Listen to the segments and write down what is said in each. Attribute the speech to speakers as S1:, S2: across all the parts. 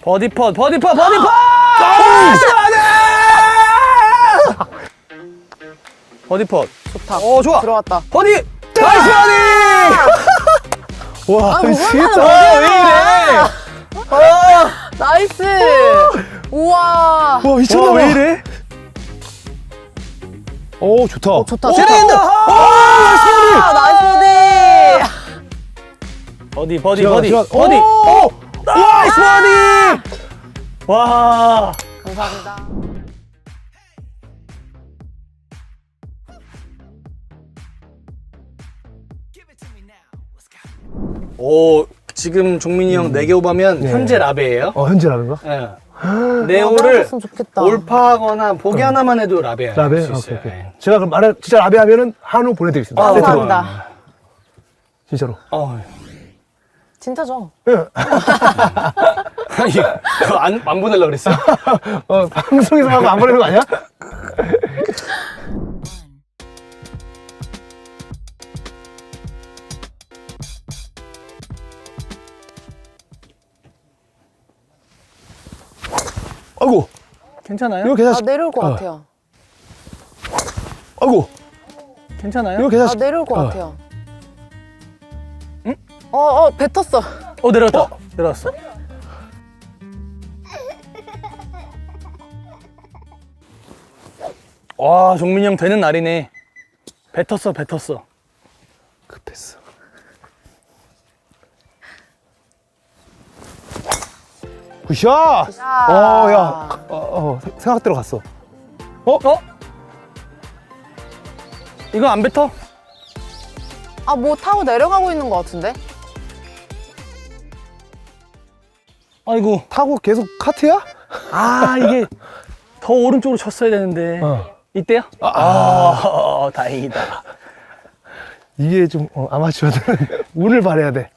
S1: 버디 펫, 버디 펫, 버디 펫! 버디 펫.
S2: 좋다.
S1: 좋아.
S2: 들어왔다.
S1: 버디! 나이스 버디!
S3: 와, 진짜.
S1: 왜 이래?
S2: 나이스. 우와.
S3: 와, 미쳤나 봐.
S1: 왜 이래?
S3: 오, 좋다.
S2: 좋다.
S1: 세레인다!
S2: 나이스
S1: 버디,
S2: 버디.
S1: 버디,
S3: 들어가,
S1: 버디.
S3: 들어가.
S1: 버디!
S3: 오!
S1: 나이스 버디! 와.
S2: 감사합니다.
S1: 지금 종민이 형 4개 오바면
S3: 네.
S1: 현재 라베예요.
S3: 현재라는 거?
S1: 예. 네오를
S2: 나왔으면 좋겠다.
S1: 올파하거나 보기 하나만 해도 라베야.
S3: 라베?
S1: 할수
S3: 오케이,
S1: 있어요.
S3: 오케이.
S1: 예.
S3: 제가 그럼 말해, 진짜 라베 하면은 한우 보내드리겠습니다.
S1: 아,
S3: 세트로.
S2: 감사합니다.
S3: 진짜로.
S2: 진짜죠?
S1: 아니, 그거 안 보내려고 그랬어?
S3: 방송에서 하고 안 보내는 거 아니야? 아이고,
S1: 괜찮아요?
S3: 이거 계산,
S2: 내려올 것 같아요.
S3: 아이고,
S1: 괜찮아요?
S3: 이거 계산,
S2: 내려올 것 같아요.
S1: 응?
S2: 뱉었어.
S1: 내려왔다. 내려왔어. 와, 종민이 형 되는 날이네. 뱉었어.
S3: 급했어. 굿샷! 야, 생각대로 갔어.
S1: 이거 안 뱉어?
S2: 뭐 타고 내려가고 있는 것 같은데?
S1: 아이고.
S3: 타고 계속 카트야?
S1: 이게 더 오른쪽으로 쳤어야 되는데. 이때요? 다행이다.
S3: 이게 좀 아마추어들은 운을 발해야 돼.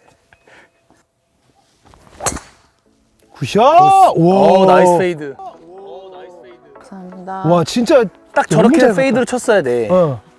S3: 굿샷! 와,
S1: 나이스 페이드.
S2: 감사합니다.
S3: 와, 진짜
S1: 딱
S3: 너무
S1: 저렇게
S3: 잘
S1: 페이드로 쳤어야 돼.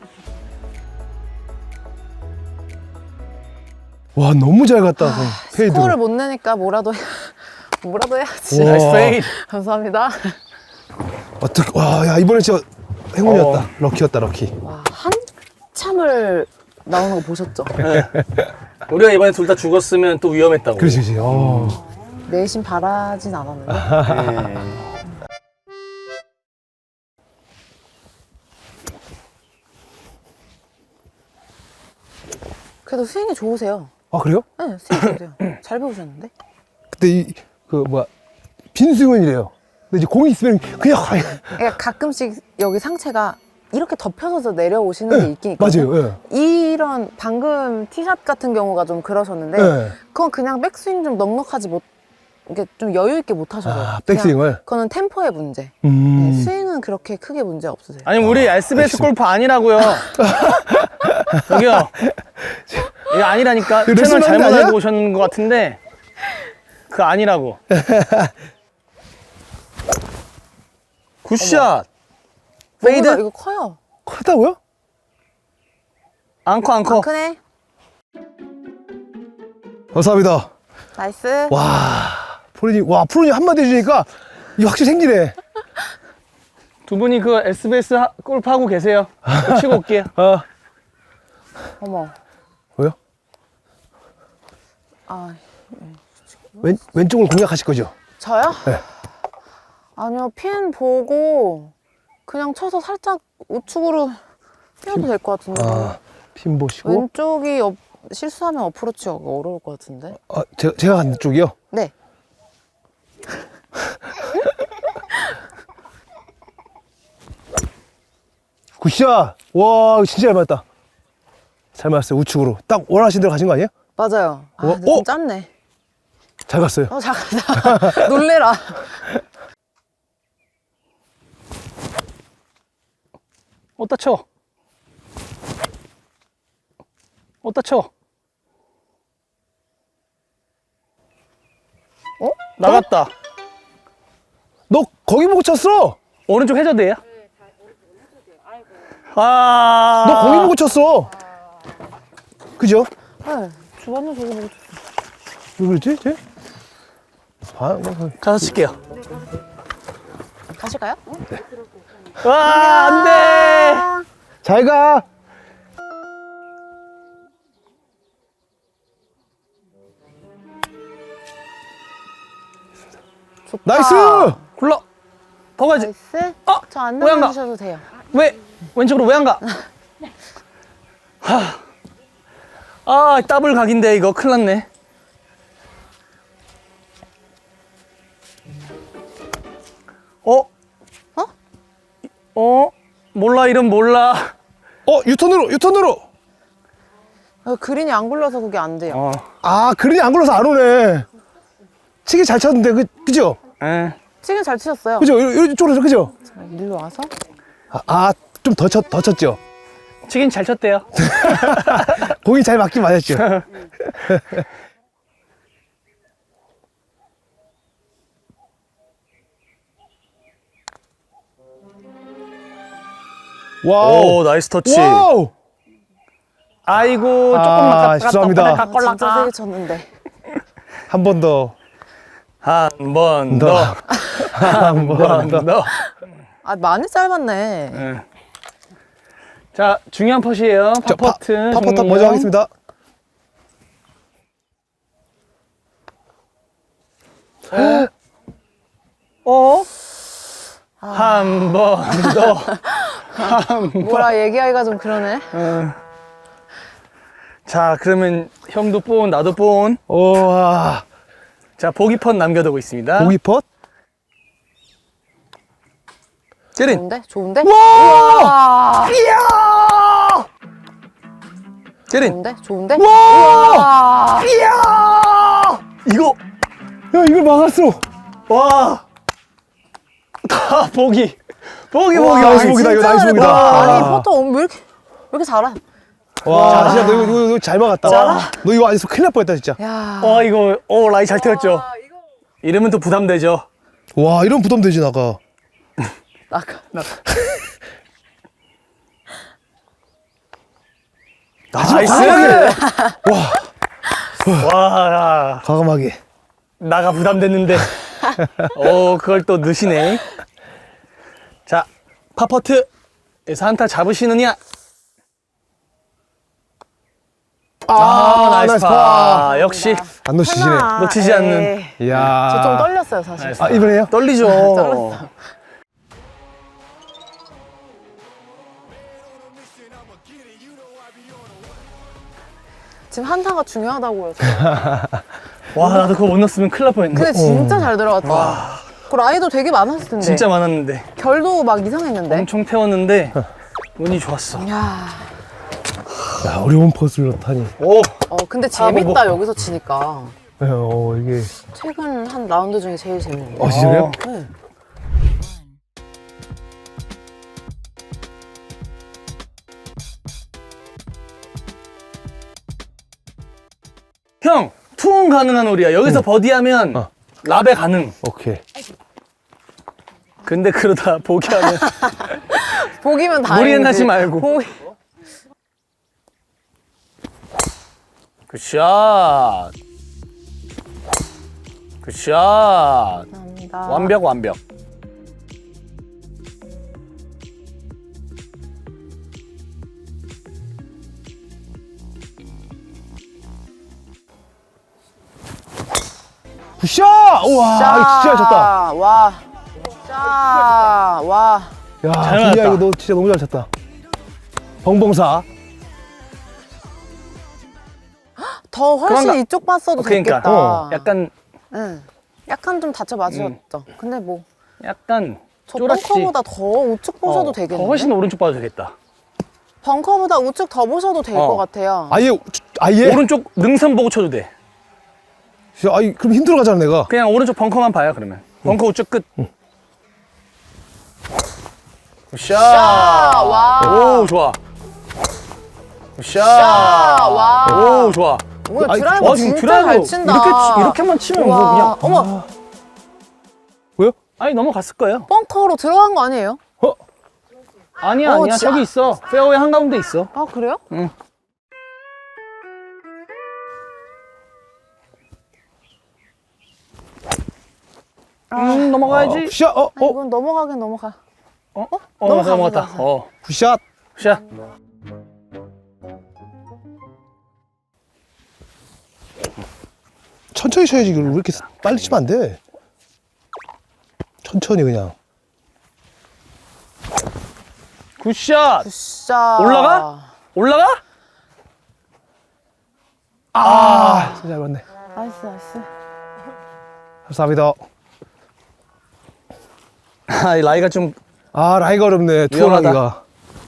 S3: 와, 너무 잘 갔다. 페이드.
S2: 스코어를 못 내니까 뭐라도 해야지.
S3: 우와.
S1: 나이스 페이드.
S2: 감사합니다.
S3: 어떻게? 와, 야, 이번에 진짜 행운이었다. 럭키였다, 럭키.
S2: 와, 한참을 나오는 거 보셨죠?
S1: 우리가 이번에 둘 다 죽었으면 또 위험했다고.
S3: 그렇지.
S2: 내심 바라진 않았는데. 그래도 스윙이 좋으세요.
S3: 그래요?
S2: 네, 스윙 좋으세요. 잘 배우셨는데?
S3: 그때 빈스윙이래요. 근데 이제 공이 있으면 그냥
S2: 그러니까 가끔씩 여기 상체가 이렇게 덮여서 내려오시는 게 있긴 있거든요.
S3: 맞아요.
S2: 이런 방금 티샷 같은 경우가 좀 그러셨는데
S3: 네.
S2: 그건 그냥 백스윙 좀 넉넉하지 못, 이게 좀 여유 있게 못 하셔서.
S3: 백스윙을.
S2: 그거는 템포의 문제. 네, 스윙은 그렇게 크게 문제 없으세요.
S1: 아니 우리 SBS 골프 아니라고요. 여기요. 이거 아니라니까.
S3: 그
S1: 채널
S3: 레슨하는
S1: 잘못
S3: 거 아니야?
S1: 알고 오셨는 것 같은데 그거 아니라고. 굿샷. 페이드.
S2: 뭐보다 이거 커요.
S3: 크다고요?
S1: 앙커.
S2: 안 크네.
S3: 감사합니다.
S2: 나이스.
S3: 프로님 한마디 해주니까 이게 확실히 생기네.
S1: 두 분이 그 SBS 골프 하고 계세요. 치고 올게요.
S2: 어머.
S3: 뭐요? 왼쪽을 공략하실 거죠?
S2: 저요?
S3: 네.
S2: 아니요, 핀 보고 그냥 쳐서 살짝 우측으로 뛰어도 될 것 같은데.
S3: 핀 보시고.
S2: 왼쪽이 실수하면 어프로치가 어려울 것 같은데.
S3: 제가 간 쪽이요?
S2: 네.
S3: 굿샷! 와, 진짜 잘 맞았다. 잘 맞았어요, 우측으로. 딱 원하시는 대로 가신 거 아니에요?
S2: 맞아요. 근데 좀 짧네.
S3: 잘 갔어요.
S2: 잠깐. 놀래라.
S1: 어디다 쳐? 나갔다.
S3: 너 거기 보고 쳤어!
S1: 오른쪽 해저드예요?
S3: 너 거기 보고 쳤어! 그죠?
S2: 네. 주변에 저기 보고 쳤어.
S3: 왜 그랬지, 쟤?
S1: 가서 칠게요.
S2: 가실까요?
S1: 와, 안 돼!
S3: 잘 가.
S2: 좋다.
S3: 나이스.
S1: 굴러! 더 가지.
S2: 나이스.
S1: 어?
S2: 저 안
S1: 왜 안 가?
S2: 나가주셔도 돼요.
S1: 왜? 왼쪽으로 왜 안 가? 하. 아, 더블 각인데, 이거. 큰일 났네. 어?
S2: 어?
S1: 어? 몰라, 이름 몰라.
S3: 유턴으로.
S2: 그린이 안 굴러서 그게 안 돼요.
S1: 어.
S3: 아, 그린이 안 굴러서 안 오네. 치기 잘 쳤는데, 그죠?
S1: 에.
S2: 치긴 잘 치셨어요.
S3: 그죠? 이쪽으로, 그죠?
S2: 자, 일로 와서.
S3: 좀 더 쳤죠?
S1: 치긴 잘 쳤대요.
S3: 공이 잘 맞긴 맞았죠? 와우.
S1: 오, 나이스 터치.
S3: 와우.
S1: 아이고, 조금만
S3: 죄송합니다.
S2: 진짜 세게 쳤는데.
S3: 한 번 더.
S1: 한 번 더. 한 번 더.
S2: 아, 많이 짧았네.
S1: 예. 자, 중요한 퍼시에요.
S3: 자,
S1: 파퍼트.
S3: 파퍼트
S1: 종료.
S3: 먼저 하겠습니다.
S1: 어? 한 번 더.
S2: 뭐라 얘기하기가 좀 그러네.
S1: 자, 그러면 형도 본, 나도 본.
S3: 와.
S1: 자, 보기 펀 남겨두고 있습니다.
S3: 보기 펫?
S1: 제린.
S2: 좋은데? 좋은데?
S3: 와!
S2: 와!
S1: 이야! 제린.
S2: 좋은데? 좋은데?
S3: 와!
S1: 이야! 이거,
S3: 야, 이걸 막았어.
S1: 와. 다 보기. 보기,
S3: 와,
S1: 보기.
S3: 나이스 보기다, 이거 나이스 보기다.
S2: 아니,
S3: 와.
S2: 포터 왜 이렇게 잘해?
S3: 와, 진짜 너 이거 잘 막았다. 너 이거 안에서 큰일 날 뻔했다, 진짜.
S2: 야.
S1: 이거, 라이 잘 태웠죠? 이러면 또 부담되죠?
S3: 와, 이런 부담되지, 나가.
S2: 나가.
S1: 나이스! 와,
S3: 과감하게.
S1: 나가 부담됐는데. 그걸 또 넣으시네. 자, 파퍼트에서 한타 잡으시느냐? 나이스 파. 역시
S3: 안 놓치시네.
S1: 놓치지 않는.
S3: 이야.
S2: 저 좀 떨렸어요, 사실.
S3: 아, 이번에요?
S1: 떨리죠.
S2: 떨렸어. 지금 한타가 중요하다고 해서.
S1: 와, 나도 그거 못 넣었으면 큰일 날 뻔했네.
S2: 근데 진짜 잘 들어갔다. 그 라이도 되게 많았을 텐데.
S1: 진짜 많았는데.
S2: 결도 막 이상했는데.
S1: 엄청 태웠는데 운이 좋았어.
S2: 야.
S3: 야, 어려운 퍼즐을 넣다니.
S1: 오,
S2: 근데 재밌다,
S1: 뭐.
S2: 여기서 치니까.
S3: 이게.
S2: 최근 한 라운드 중에 제일 재밌는데.
S3: 진짜요?
S2: 네.
S1: 형, 투혼 가능한 홀이야. 여기서 버디하면 라베 가능.
S3: 오케이.
S1: 근데 그러다 보기하면
S2: 보기면 다행이지.
S1: 무리는 하지 말고. 굿샷. 굿샷.
S2: 감사합니다.
S1: 완벽.
S3: 굿샷! 우와, 이거 진짜 잘 쳤다.
S2: 와. 자, 와.
S3: 야,
S1: 잘
S3: 준이야,
S1: 맞았다.
S3: 이거 너 진짜 너무 잘 쳤다. 벙벙사.
S2: 더 훨씬
S1: 그런가?
S2: 이쪽 봤어도
S1: 그러니까.
S2: 됐겠다.
S1: 약간
S2: 응. 약간 좀 다쳐 맞으셨죠. 근데 뭐, 저
S1: 쪼라시.
S2: 벙커보다 더 우측 보셔도 되겠는데?
S1: 더 훨씬 오른쪽 봐도 되겠다.
S2: 벙커보다 우측 더 보셔도 될 것 같아요.
S3: 아예?
S1: 오른쪽 능선 보고 쳐도 돼.
S3: 그럼 힘들어 가잖아, 내가.
S1: 그냥 오른쪽 벙커만 봐요, 그러면. 벙커 우측 끝. 굿샷.
S2: 와.
S1: 오, 좋아. 굿샷.
S2: 와.
S1: 오, 좋아.
S2: 오늘
S3: 아니,
S2: 드라이버
S1: 지금
S2: 진짜
S1: 드라이브
S2: 잘 친다.
S1: 이렇게만 치면 뭐
S2: 와.
S1: 그냥.
S2: 어머,
S3: 왜요?
S1: 아니, 넘어갔을 거예요.
S2: 벙커로 들어간 거 아니에요?
S1: 아니야,
S2: 진짜.
S1: 저기 있어. 페어웨이 한가운데 있어.
S2: 아, 그래요?
S1: 응. 넘어가야지.
S3: 굿샷.
S2: 이건 넘어가긴 넘어가.
S1: 넘어갔다.
S3: 굿샷.
S1: 샷.
S3: 천천히 쳐야지. 이걸 왜 이렇게 빨리 치면 안 돼? 천천히 그냥.
S1: 굿샷.
S2: 굿샷.
S1: 올라가?
S3: 진짜 잘 맞네.
S2: 나이스, 나이스.
S3: 감사합니다.
S1: 이 라이가 좀
S3: 라이가 어렵네.
S1: 위험하다.
S3: 투어하기가.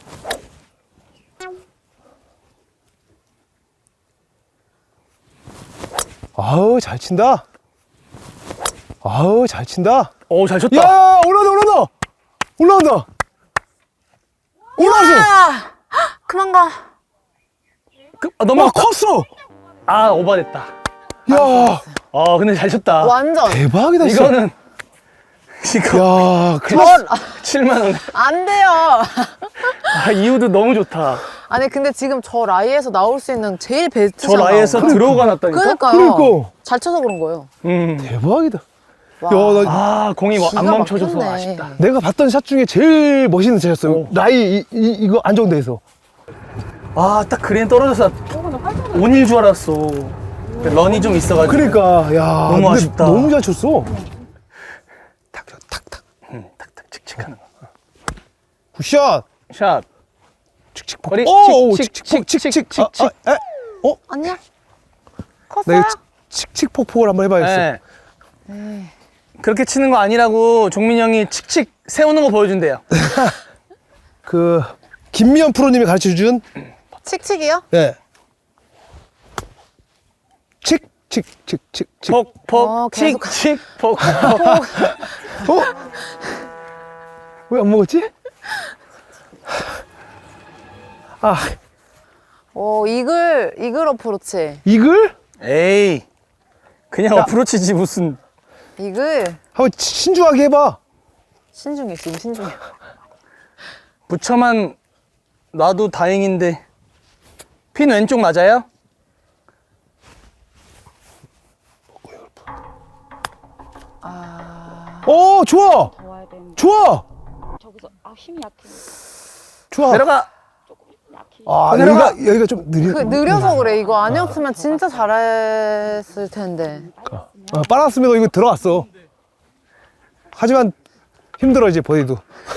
S3: 아우, 잘 친다. 아우, 잘 친다.
S1: 잘 쳤다.
S3: 야, 올라온다. 올라왔어.
S2: 그만 가.
S1: 넘어가.
S3: 컸어.
S1: 오버됐다.
S3: 야,
S1: 근데 잘 쳤다.
S2: 완전.
S3: 대박이다, 진짜.
S1: 이거
S3: 야,
S2: 전
S1: 7만 원.
S2: 안 돼요.
S1: 이후도 너무 좋다.
S2: 아니 근데 지금 저 라이에서 나올 수 있는 제일 베스트
S1: 저 라이에서 들어가 놨다니까.
S2: 그러니까요.
S3: 그러니까.
S2: 잘 쳐서 그런 거예요.
S3: 대박이다.
S2: 와.
S3: 야, 나
S1: 공이 안
S2: 기가
S1: 멈춰줘서
S2: 막혔네.
S1: 아쉽다.
S3: 내가 봤던 샷 중에 제일 멋있는 샷이었어요.
S1: 오.
S3: 라이 이거 안정돼서.
S1: 딱 그린 떨어져서 온일 줄 알았어. 런이 좀 있어가지고.
S3: 그러니까 야,
S1: 너무
S3: 근데
S1: 아쉽다.
S3: 너무 잘 쳤어. 탁탁.
S1: 탁탁 칙칙하는 거.
S3: 굿샷.
S1: 샷.
S3: 칙칙
S1: 거리
S3: 칙칙.
S2: 아니야?
S3: 나
S2: 컸어요?
S3: 이거 칙칙 폭폭을 한번 해봐야겠어.
S1: 네. 그렇게 치는 거 아니라고 종민 형이 칙칙 세우는 거 보여준대요.
S3: 그 김미연 프로님이 가르쳐준
S2: 칙칙이요?
S3: 네. 칙칙칙칙칙.
S1: 폭폭
S2: 계속
S1: 칙칙 폭폭.
S3: 왜 안 먹었지?
S2: 이글 어프로치.
S3: 이글?
S1: 에이 그냥 어프로치지 무슨.
S2: 이글.
S3: 한번 신중하게 해봐.
S2: 신중해, 지금 신중해.
S1: 부처만 놔도 다행인데. 핀 왼쪽 맞아요?
S3: 좋아.
S4: 와야 되는데
S3: 좋아.
S4: 저기서 힘이 약해.
S3: 좋아.
S1: 내려가.
S4: 약해.
S3: 여기가 좀 느려.
S2: 느려서 그래. 이거 아니었으면 진짜 잘했을 텐데.
S3: 빨았으면 이거 들어갔어. 하지만 힘들어 이제 버디도.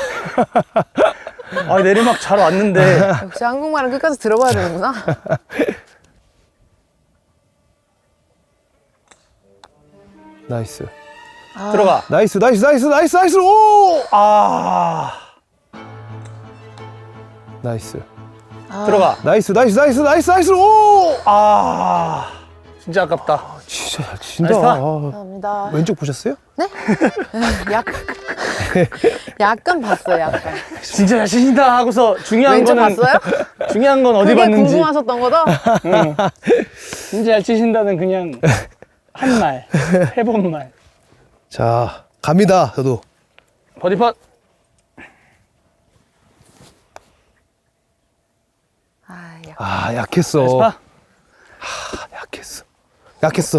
S1: 내리막 잘 왔는데.
S2: 역시 한국말은 끝까지 들어봐야 되는구나.
S3: 나이스.
S1: 들어가.
S3: 나이스. 오! 나이스.
S1: 들어가.
S3: 나이스. 오!
S1: 진짜 아깝다.
S3: 진짜 잘 친다.
S1: 나이스 파.
S2: 감사합니다.
S3: 왼쪽 보셨어요?
S2: 네? 약간 봤어요, 약간.
S1: 진짜 잘 치신다 하고서 중요한
S2: 왼쪽
S1: 거는
S2: 봤어요?
S1: 중요한 건 어디
S2: 그게
S1: 봤는지.
S2: 궁금하셨던 거죠?
S1: 진짜 잘 치신다는 그냥 한 말, 해본 말.
S3: 자, 갑니다. 저도.
S1: 버디 팟.
S3: 약했어.
S1: 나이스 파.
S3: 약했어.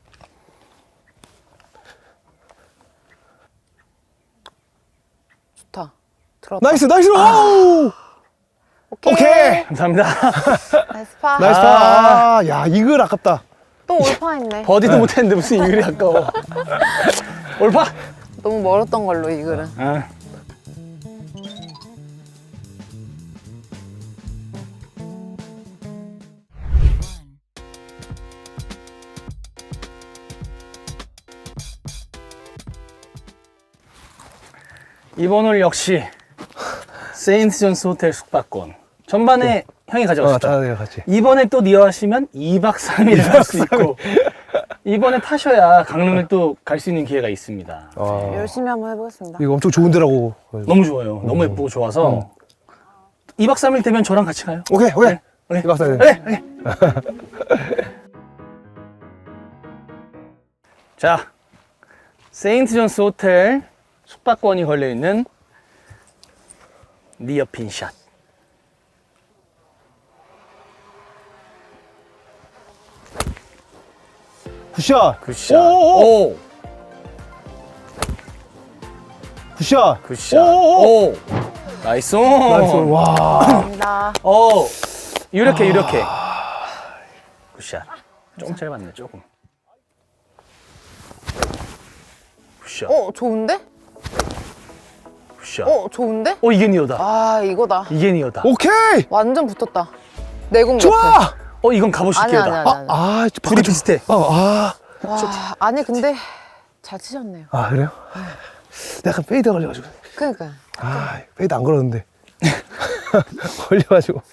S2: 좋다. 들어왔다.
S3: 나이스. 오! 오케이.
S1: 감사합니다.
S2: 나이스 파.
S3: 나이스 파. 야, 이글 아깝다.
S2: 또 올파 했네.
S1: 버디도 못했는데 무슨 이글이 아까워. 올파.
S2: 너무 멀었던 걸로, 이 글은.
S1: 이번 홀 역시 세인트 존스 호텔 숙박권. 전반에 형이 가져갔었죠.
S3: 내가 같이.
S1: 이번에 또 니어하시면 2박 3일 할 수 있고 이번에 타셔야 강릉을 또 갈 수 있는 기회가 있습니다.
S2: 열심히 한번 해보겠습니다.
S3: 이거 엄청 좋은 데라고.
S1: 너무 좋아요. 너무 예쁘고 좋아서 2박 3일 되면 저랑 같이 가요.
S3: 오케이.
S1: 네.
S3: 이박 사일.
S1: 네. 자, 세인트 존스 호텔 숙박권이 걸려있는 니어핀 샷.
S3: 굿샷.
S1: 굿샷.
S3: 오.
S1: 오.
S3: 굿샷.
S1: 굿샷.
S3: 오.
S1: 오. 나이스.
S3: 나이스. 와.
S2: 감사합니다.
S1: 이렇게. 굿샷. 조금 짧았네, 조금. 굿샷.
S2: 좋은데?
S1: 굿샷.
S2: 좋은데?
S1: 이게 니어다.
S2: 아, 이거다.
S1: 이게 니어다.
S3: 오케이.
S2: 완전 붙었다. 내공
S3: 좋아.
S1: 이건 갑옷이
S2: 아니야,
S1: 기어다.
S2: 아니야, 아니야.
S3: 아,
S1: 둘이 비슷해.
S2: 와, 아니, 근데 잘 치셨네요.
S3: 아, 그래요? 약간 페이드 걸려가지고.
S2: 그러니까.
S3: 아, 페이드 안 걸었는데. 걸려가지고.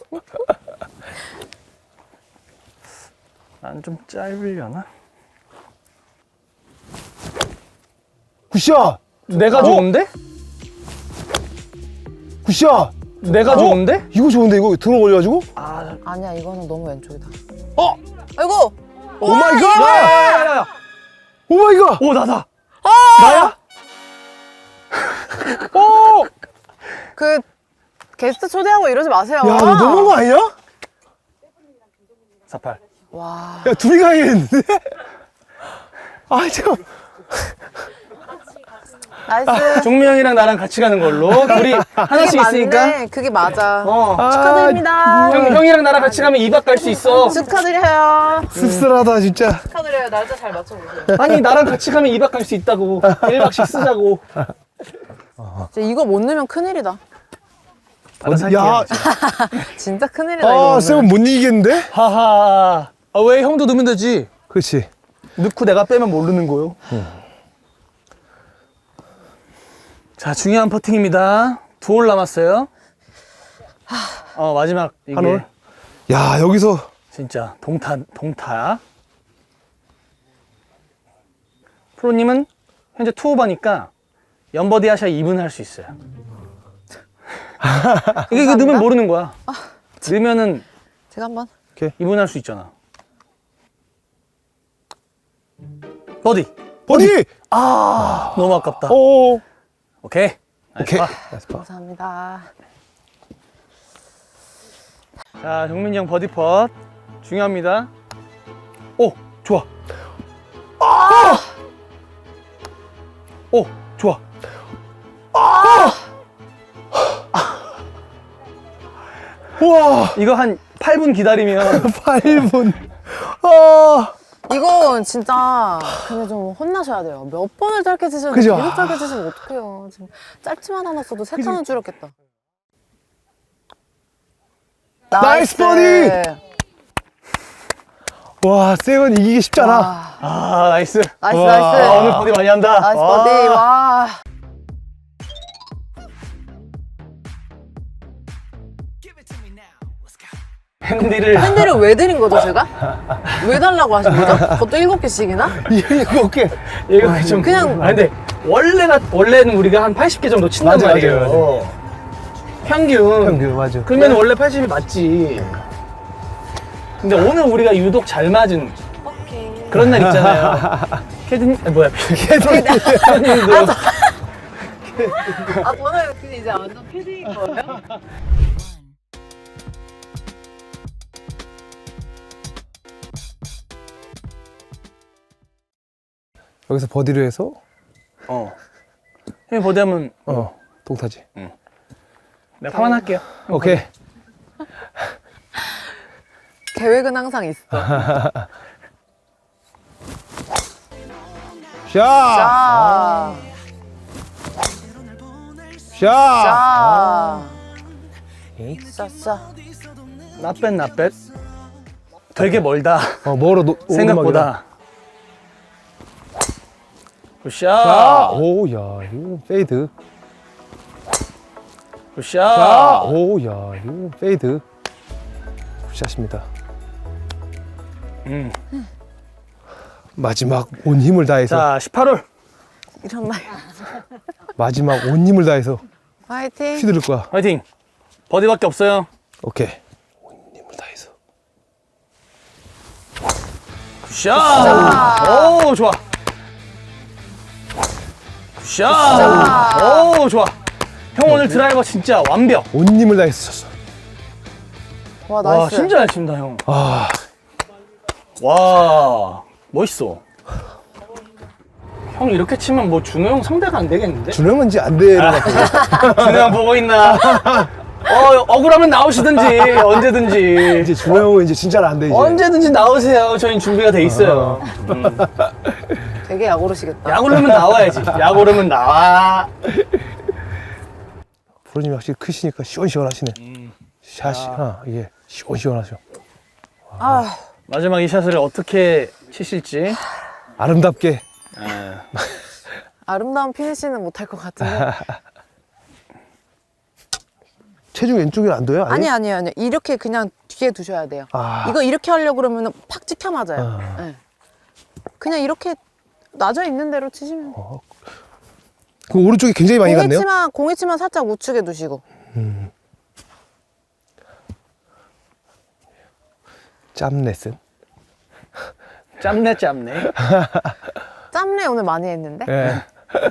S1: 난 좀 짧으려나?
S3: 굿샷.
S1: 내가 좋은데?
S3: 굿샷.
S1: 내가 좋은데?
S3: 이거 좋은데 이거 들어 걸려가지고?
S2: 아니야, 이거는 너무 왼쪽이다.
S3: 아이고.
S2: 아이고!
S3: 오 마이 갓.
S1: 야야야야.
S3: 오 마이 갓.
S1: 오 나다. 나야?
S2: 그, 게스트 초대하고 이러지 마세요.
S3: 야, 너 너무한 거 아니야?
S1: 48.
S2: 와.
S3: 야, 둘이 가야겠는데? 아, 참.
S2: 나이스.
S1: 종민 형이랑 나랑 같이 가는 걸로. 우리 하나씩 있으니까.
S2: 맞네. 그게 맞아.
S3: 아,
S2: 축하드립니다.
S1: 형이랑 나랑 같이 가면 2박 갈 수 있어.
S2: 축하드려요.
S3: 씁쓸하다, 진짜.
S2: 축하드려요. 날짜 잘 맞춰보세요.
S1: 아니 나랑 같이 가면 2박 갈 수 있다고. 1박씩 쓰자고.
S2: 진짜 이거 못 넣으면 큰일이다.
S3: 야,
S2: 진짜 큰일이다, 이거.
S3: 아, 쌤은 못 이기겠는데?
S1: 하하. 왜 형도 넣으면 되지?
S3: 그렇지.
S1: 넣고 내가 빼면 모르는 거요. 자, 중요한 퍼팅입니다. 2홀 남았어요. 마지막 이게
S3: 한 홀? 야, 여기서.
S1: 진짜 동타. 프로님은 현재 투오버니까 연버디 하셔야 2분 할 수 있어요. 이게 넣으면 모르는 거야. 넣으면은
S2: 제가 한번.
S1: 2분 할 수 있잖아. 버디.
S3: 버디!
S1: 너무 아깝다.
S3: 오.
S1: 오케이.
S3: 오케이.
S1: 나이스 파.
S3: 나이스 파.
S2: 감사합니다.
S1: 자, 정민이 형 버디 펫. 중요합니다. 오, 좋아. 오, 좋아.
S3: 우와.
S1: 이거 한 8분 기다리면
S3: 8분.
S2: 이건 진짜 근데 좀 혼나셔야 돼요. 몇 번을 짧게 치셨는데
S3: 그죠?
S2: 계속 짧게 치시면 어떡해요. 지금 짧지만 않았어도 세 타는 줄였겠다.
S3: 나이스 버디! 와, 쌤은 이기기 쉽잖아.
S1: 나이스.
S2: 나이스,
S3: 와.
S2: 나이스.
S1: 오늘 버디 많이 한다.
S2: 나이스 버디. 와.
S1: 핸디를
S2: 팬들을 왜 드린 거죠, 제가? 왜 달라고 하신 거죠? 그것도 7개씩이나?
S3: 일곱 개.
S1: 이거 좀
S2: 그냥-
S1: 근데 원래는 우리가 한 80개 정도 친단
S3: 맞아,
S1: 말이에요.
S3: 맞아,
S1: 평균.
S3: 평균, 맞아.
S1: 그러면 원래 80이 맞지. 근데 오늘 우리가 유독 잘 맞은 그런 날 있잖아요. 캐드님, 캐드님도
S2: 아, 저는 이제 완전 패드인 거예요?
S3: 여기서 버디를 해서
S1: 형이 버디하면
S3: 동타지.
S1: 내가 파만 할게요.
S3: 오케이.
S2: 계획은 항상 있어.
S3: 샷!
S2: 자,
S3: 샷!
S2: 자, 자.
S1: 나뱃. 되게 멀다.
S3: 멀어,
S1: 생각보다. 굿샷.
S3: 자, 오, 야, 이거 페이드.
S1: 굿샷.
S3: 자, 오, 야, 이거 페이드. 굿샷입니다. 마지막 온 힘을 다해서.
S1: 자, 18홀.
S2: 이런 날.
S3: 마지막 온 힘을 다해서
S2: 화이팅.
S3: 휘두를 거야.
S1: 화이팅. 버디밖에 없어요.
S3: 오케이. 온 힘을 다해서.
S1: 굿샷. 오, 좋아. 굿샷. 오, 좋아. 형 오늘 드라이버 진짜 완벽.
S3: 온 힘을 다해서 쳤어.
S2: 와,
S1: 와,
S2: 나이스.
S1: 진짜 잘 친다, 형.
S3: 아,
S1: 와, 멋있어. 형 이렇게 치면 뭐 준호 형 상대가 안 되겠는데?
S3: 준호 형은 이제 안 되는 것 같아요.
S1: 준호 형 보고 있나? 억울하면 나오시든지 언제든지.
S3: 이제 준호 형은 이제 진짜로 안 돼, 이제.
S1: 언제든지 나오세요. 저희는 준비가 돼 있어요.
S2: 되게 약오르시겠다.
S1: 약 오르면 나와야지. 약 오르면 나와.
S3: 프로님이 확실히 크시니까 시원시원하시네. 샷이 이게 시원시원하죠.
S2: 아,
S1: 마지막 이 샷을 어떻게 치실지.
S3: 아름답게.
S2: 아름다운 피니시는 못할 것 같은데.
S3: 체중 왼쪽에 안 둬요?
S2: 아니요. 이렇게 그냥 뒤에 두셔야 돼요.
S3: 아.
S2: 이거 이렇게 하려고 그러면 팍 찍혀 맞아요. 네. 그냥 이렇게 놔져 있는 대로 치시면 돼요.
S3: 그 오른쪽이 굉장히 많이 갔네요.
S2: 공이치만 살짝 우측에 두시고.
S3: 짬 레슨.
S1: 짬내.
S2: 짬내 오늘 많이 했는데.
S3: 예.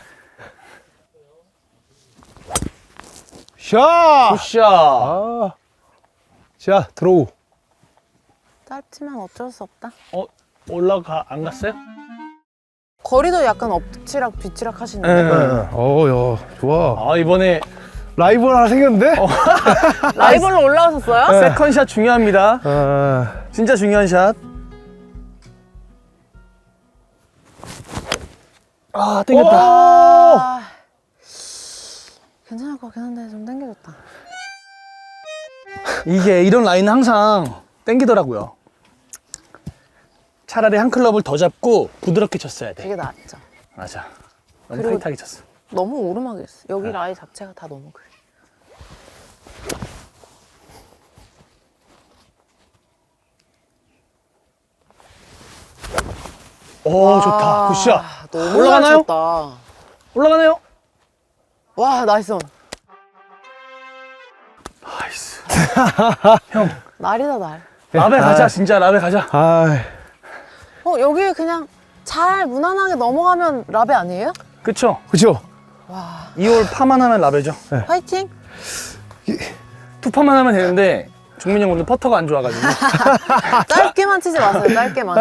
S3: 샷!
S1: 굿샷.
S3: 아. 자, 들어오.
S2: 짧지만 어쩔 수 없다.
S1: 안 갔어요?
S2: 거리도 약간 엎치락 뒤치락 하시는데.
S1: 네.
S3: 야, 좋아.
S1: 이번에
S3: 라이벌 하나 생겼는데?
S2: 라이벌로 올라오셨어요?
S1: 세컨샷 중요합니다. 진짜 중요한 샷. 땡겼다.
S2: 아, 괜찮을 것 같긴 한데 좀 당겨졌다.
S1: 이게 이런 라인은 항상 땡기더라고요. 차라리 한 클럽을 더 잡고 부드럽게 쳤어야 돼.
S2: 되게 낫죠.
S1: 맞아. 너무
S2: 그리고-
S1: 타이트하게 쳤어.
S2: 너무 오르막이 있어. 여기 라인 자체가 다 너무 그래.
S1: 오, 좋다. 굿샷.
S2: 너무
S1: 올라가나요?
S2: 잘 쳤다.
S1: 올라가네요.
S2: 와, 나이스 온.
S1: 나이스.
S2: 날이다 날.
S1: 라베 가자, 진짜 라베 가자.
S3: 아,
S2: 여기 그냥 잘 무난하게 넘어가면 라베 아니에요?
S1: 그쵸?
S3: 그죠?
S2: 와,
S1: 2홀 파만 하면 라베죠.
S2: 화이팅.
S1: 투파만 하면 되는데 종민이 형 오늘 퍼터가 안 좋아가지고.
S2: 짧게만 치지 마세요. 짧게만.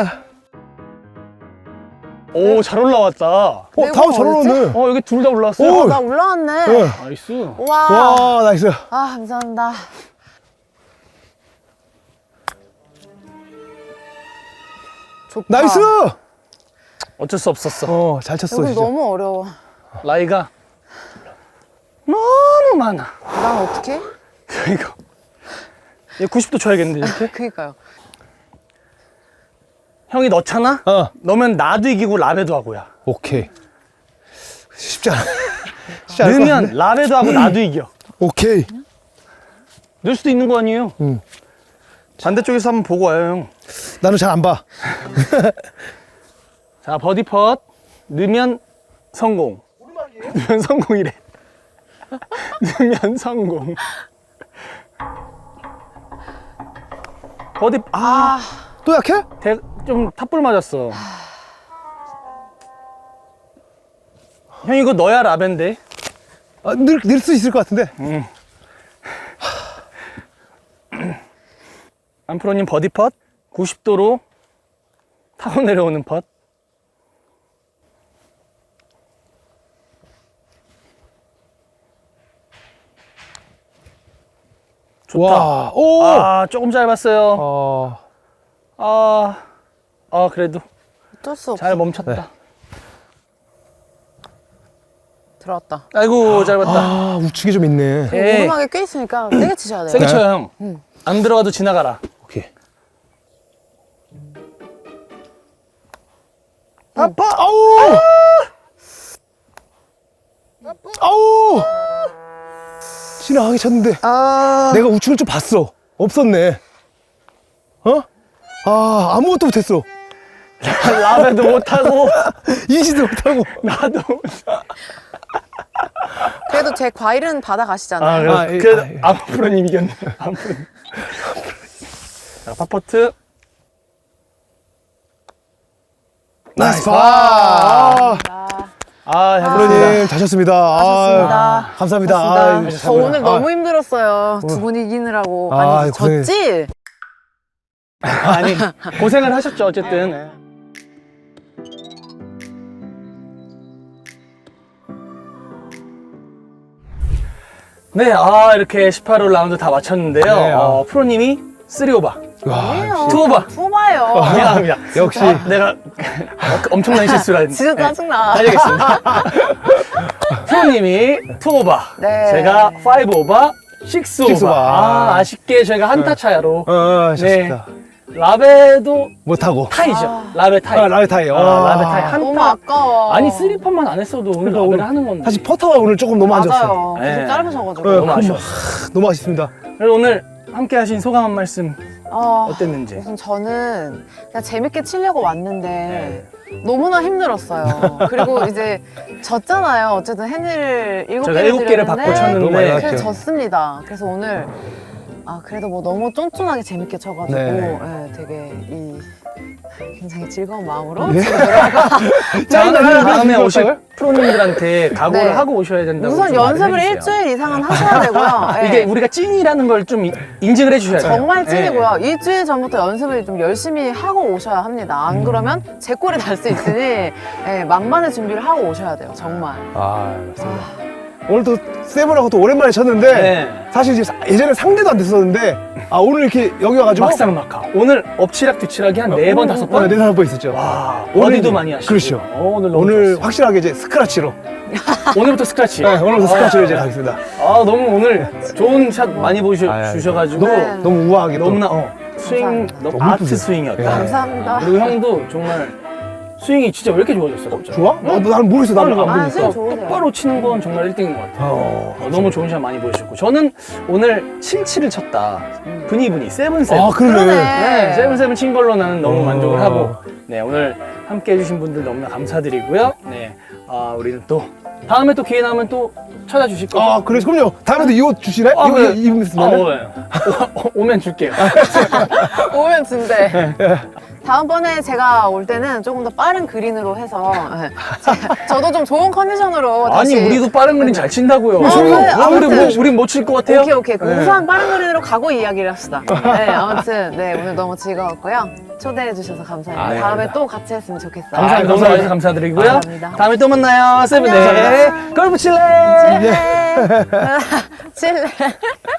S1: 오, 잘 올라왔다.
S3: 다음 잘 오네.
S1: 여기 둘 다 올라왔어요.
S3: 오.
S2: 나 올라왔네.
S3: 네.
S1: 나이스.
S2: 와.
S3: 와, 나이스.
S2: 아, 감사합니다. 좋다.
S3: 나이스!
S1: 어쩔 수 없었어.
S3: 잘 쳤어,
S2: 여기
S3: 진짜.
S2: 너무 어려워.
S1: 라이가 너무 많아.
S2: 난 어떻게?
S1: 이거. 얘 90도 쳐야겠는데, 이렇게?
S2: 그니까요.
S1: 형이 넣잖아? 넣으면 나도 이기고 라베도 하고야.
S3: 오케이. 쉽지 않아. 쉽지 않을 것
S1: 넣으면
S3: 같은데?
S1: 라베도 하고 나도 이겨.
S3: 오케이.
S1: 넣을 수도 있는 거 아니에요? 반대쪽에서 한번 보고 와요, 형.
S3: 나는 잘 안 봐.
S1: 자, 버디 펫. 넣으면 성공. 넣으면 성공이래. 넣으면 성공. 버디,
S3: 또 약해?
S1: 좀 탑볼 맞았어. 형, 이거 넣어야 라벤데.
S3: 늘 수 있을 것 같은데.
S1: 안프로님 버디 펫. 90도로 타고 내려오는 펫. 좋다.
S3: 와, 오!
S1: 조금 짧았어요. 그래도
S2: 어쩔 수 없어.
S1: 잘 멈췄다.
S2: 들어왔다.
S1: 아이고, 짧았다.
S3: 우측이 좀 있네.
S1: 에이.
S2: 오르막에 꽤 있으니까 세게 치셔야 돼요.
S1: 세게 쳐요, 형. 안 들어가도 지나가라.
S3: 오케이.
S1: 아빠!
S3: 아우! 아우! 지나가게 쳤는데. 내가 우측을 좀 봤어. 없었네. 아무것도 못했어.
S1: 라베도 못하고,
S3: 인지도 못하고.
S1: 나도.
S2: 그래도 제 과일은 받아가시잖아요.
S1: 그래도 안프로님 이겼네. 안프로님. 자, 파퍼트.
S3: 나이스 파!
S1: 프로님.
S3: 잘 쳤습니다.
S2: 하셨습니다.
S3: 감사합니다.
S2: 고맙습니다. 저 오늘 너무 힘들었어요. 두 분 이기느라고. 아니,
S3: 고생-
S2: 졌지?
S1: 아니, 고생을 하셨죠, 어쨌든. 네, 이렇게 18홀 라운드 다 마쳤는데요.
S3: 네,
S1: 프로님이 3오바.
S2: 아니에요.
S1: 투오바.
S2: 투오바요.
S1: 미안합니다.
S3: 역시.
S1: 내가 엄청난 실수를 했는데.
S2: 진짜 짜증나.
S1: 알겠습니다. 프로님이 2오바.
S2: 네.
S1: 제가 5오바, 6오바.
S3: 6오바.
S1: 아쉽게 저희가 한타 차이로.
S3: 아쉽다.
S1: 라베도
S3: 못하고.
S1: 타이죠. 라베 타이.
S3: 라베 타이.
S1: 라베 타이.
S2: 너무
S1: 한타.
S2: 아까워.
S1: 아니, 3펀만 안 했어도 오늘
S3: 그러니까
S1: 라베를
S3: 오늘
S1: 하는 건데.
S3: 사실 퍼터가 오늘 조금 너무 안 좋았어요.
S2: 맞아요.
S1: 네.
S2: 계속 짧으셔가지고.
S3: 네,
S1: 너무 아쉬워.
S3: 너무 아쉽습니다.
S1: 그래서 오늘 함께 하신 소감 한 말씀
S2: 아,
S1: 어땠는지.
S2: 우선 저는 그냥 재밌게 치려고 왔는데
S1: 네.
S2: 너무나 힘들었어요. 그리고 이제 졌잖아요. 어쨌든 핸을 7개를
S1: 제가 7개를 받고 쳤는데.
S3: 너무 많이
S2: 그래서
S3: 났죠.
S2: 졌습니다. 그래서 오늘 그래도 뭐 너무 쫀쫀하게 재밌게 쳐가지고
S3: 네.
S2: 되게 굉장히 즐거운 마음으로
S3: 네.
S2: 집에 돌아가.
S1: 다음에
S3: 그럴까요?
S1: 오실 프로님들한테 각오를
S2: 네.
S1: 하고 오셔야 된다고.
S2: 우선
S1: 좀 말을
S2: 연습을
S1: 해주세요.
S2: 일주일 이상은 하셔야 되고요. 네.
S1: 이게 우리가 찐이라는 걸 좀 인증을 해주셔야 돼요.
S2: 정말
S1: 네.
S2: 찐이고요. 일주일 전부터 연습을 좀 열심히 하고 오셔야 합니다. 안 그러면 제 꼴이 날 수 있으니 만반의 준비를 하고 오셔야 돼요. 정말.
S3: 맞습니다. 오늘 또 세븐하고 또 오랜만에 쳤는데
S1: 네.
S3: 사실 이제 예전에 상대도 안 됐었는데 오늘 이렇게 여기 와가지고
S1: 막상막하. 오늘 엎치락 뒤치락이 한 4번, 5번.
S3: 네, 4번 있었죠.
S1: 와,
S3: 오늘
S1: 어디도
S3: 이제-
S1: 많이 하시고.
S3: 그렇죠.
S1: 오늘 너무
S3: 오늘
S1: 좋았어요.
S3: 확실하게 이제 스크래치로.
S1: 오늘부터 스크래치.
S3: 네, 오늘부터 스크래치로 이제 가겠습니다.
S1: 너무 오늘 좋은 샷 많이
S3: 아유,
S1: 보여주셔가지고
S3: 너무
S2: 네.
S3: 너무 우아하게 또.
S1: 너무나 스윙
S2: 감사합니다.
S1: 너무
S3: 너무
S1: 아트
S3: 이쁘세요.
S1: 스윙이었다.
S3: 네.
S2: 감사합니다.
S1: 그리고 형도 정말 스윙이 진짜 왜 이렇게 좋아졌어 갑자기?
S3: 좋아? 나는 모르겠어. 나는 안 보니까.
S2: 스윙 좋으세요.
S1: 똑바로 치는 건 정말 1등인 것 같아요. 너무 좋은 샷 많이 보여주셨고 저는 오늘 7-7을 쳤다. 분이 7-7.
S3: 그러네.
S1: 네, 7-7 친 걸로 나는 너무 만족을 하고 네 오늘 함께 해주신 분들 너무나 감사드리고요. 네, 우리는 또 다음에 또 기회 나면 또 찾아주실 거죠?
S3: 그래서 그럼요. 다음에도 이 옷 주시래?
S1: 아,
S3: 이거
S1: 그래.
S3: 입으면
S1: 오면 줄게요.
S2: 오면 준대. 다음번에 제가 올 때는 조금 더 빠른 그린으로 해서 저도 좀 좋은 컨디션으로
S1: 아니
S2: 다시
S1: 우리도 빠른 그린 잘 친다고요.
S2: 네, 아무튼.
S1: 우린 못 칠 것 같아요.
S2: 오케이. 그 우수한 빠른 그린으로 가고 이야기를 합시다. 네, 아무튼 오늘 너무 즐거웠고요. 초대해 주셔서 감사합니다.
S1: 네.
S2: 다음에 또 같이 했으면 좋겠어요.
S1: 감사합니다. 너무 와주셔서 감사드리고요.
S2: 감사합니다.
S1: 다음에 또 만나요. 세븐 네.
S2: 안녕.
S1: 골프 칠래.
S2: 칠레.